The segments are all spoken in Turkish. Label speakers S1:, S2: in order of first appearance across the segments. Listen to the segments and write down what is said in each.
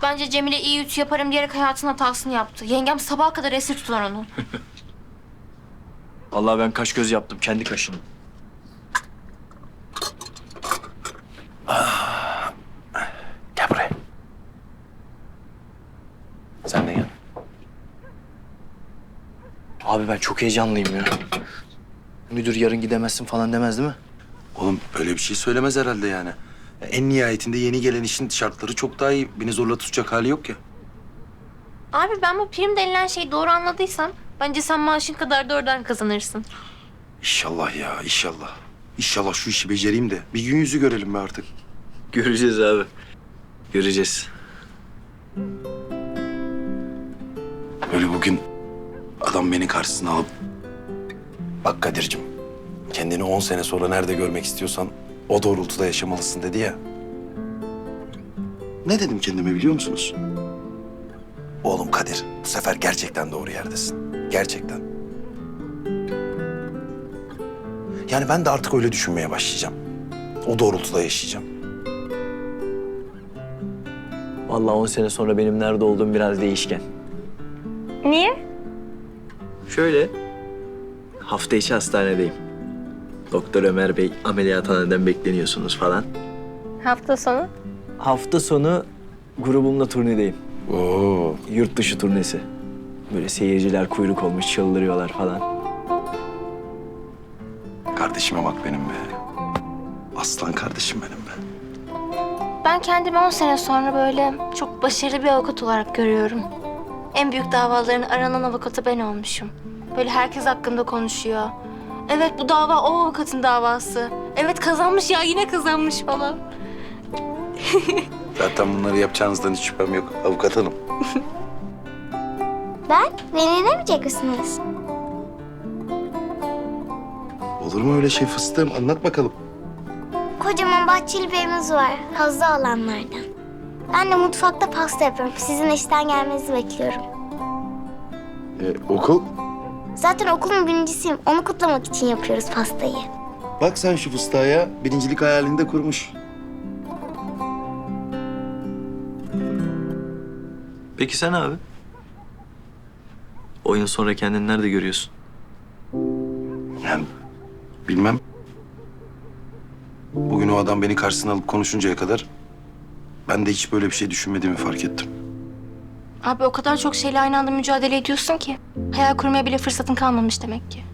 S1: Bence Cemile iyi ütü yaparım diyerek hayatının hatasını yaptı. Yengem sabaha kadar esir tutar onu.
S2: Vallahi ben kaş göz yaptım kendi kaşını.
S3: Gel buraya. Sen de gel.
S2: Abi ben çok heyecanlıyım ya. Müdür yarın gidemezsin falan demez değil mi?
S3: Oğlum öyle bir şey söylemez herhalde yani. En nihayetinde yeni gelen işin şartları çok daha iyi. Beni zorla tutacak hali yok ya.
S1: Abi ben bu prim denilen şeyi doğru anladıysam bence sen maaşın kadar da oradan kazanırsın.
S3: İnşallah ya, inşallah. İnşallah şu işi becereyim de bir gün yüzü görelim be artık.
S2: Göreceğiz abi. Göreceğiz.
S3: Böyle bugün adam beni karşısına alıp... Bak Kadir'cim, kendini 10 sene sonra nerede görmek istiyorsan o doğrultuda yaşamalısın dedi ya. Ne dedim kendime biliyor musunuz? Oğlum Kadir, bu sefer gerçekten doğru yerdesin. Gerçekten. Yani ben de artık öyle düşünmeye başlayacağım. O doğrultuda yaşayacağım.
S2: Vallahi 10 sene sonra benim nerede olduğum biraz değişken.
S1: Niye?
S2: Şöyle, hafta içi hastanedeyim. Doktor Ömer Bey ameliyathaneden bekleniyorsunuz falan.
S1: Hafta sonu?
S2: Hafta sonu grubumla turnedeyim.
S3: Oo.
S2: Yurt dışı turnesi. Böyle seyirciler kuyruk olmuş çıldırıyorlar falan.
S3: Kardeşime bak benim be. Aslan kardeşim benim be.
S1: Ben kendimi 10 sene sonra böyle çok başarılı bir avukat olarak görüyorum. En büyük davaların aranan avukatı ben olmuşum. Böyle herkes hakkında konuşuyor. Evet bu dava o avukatın davası. Evet kazanmış ya yine kazanmış falan.
S3: Zaten bunları yapacağınızdan hiç şüphem yok avukat hanım.
S4: Beni inemeyecek misiniz?
S3: Olur mu öyle şey fıstığım? Anlat bakalım.
S4: Kocaman bahçeli bir evimiz var. Hazlı alanlardan. Ben de mutfakta pasta yapıyorum. Sizin işten gelmenizi bekliyorum.
S3: Okul?
S4: Zaten okulun birincisiyim. Onu kutlamak için yapıyoruz pastayı.
S3: Bak sen şu fıstığa ya. Birincilik hayalini de kurmuş.
S2: Peki sen abi? 10 yıl sonra kendini nerede görüyorsun?
S3: Yani bilmem. Bugün o adam beni karşısına alıp konuşuncaya kadar ben de hiç böyle bir şey düşünmediğimi fark ettim.
S1: Abi o kadar çok şeyle aynı anda mücadele ediyorsun ki. Hayal kurmaya bile fırsatın kalmamış demek ki.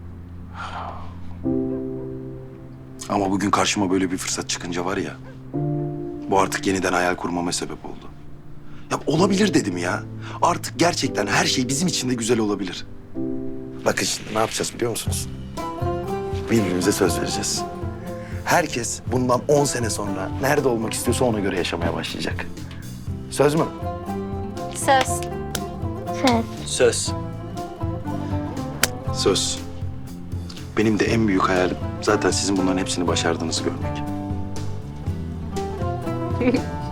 S3: Ama bugün karşıma böyle bir fırsat çıkınca var ya... bu artık yeniden hayal kurmama sebep oldu. Ya olabilir dedim ya. Artık gerçekten her şey bizim için de güzel olabilir. Bakın şimdi ne yapacağız biliyor musunuz? Birbirimize söz vereceğiz. Herkes bundan 10 sene sonra nerede olmak istiyorsa ona göre yaşamaya başlayacak. Söz mü?
S1: Söz.
S2: Söz.
S3: Söz. Benim de en büyük hayalim zaten sizin bunların hepsini başardığınızı görmek.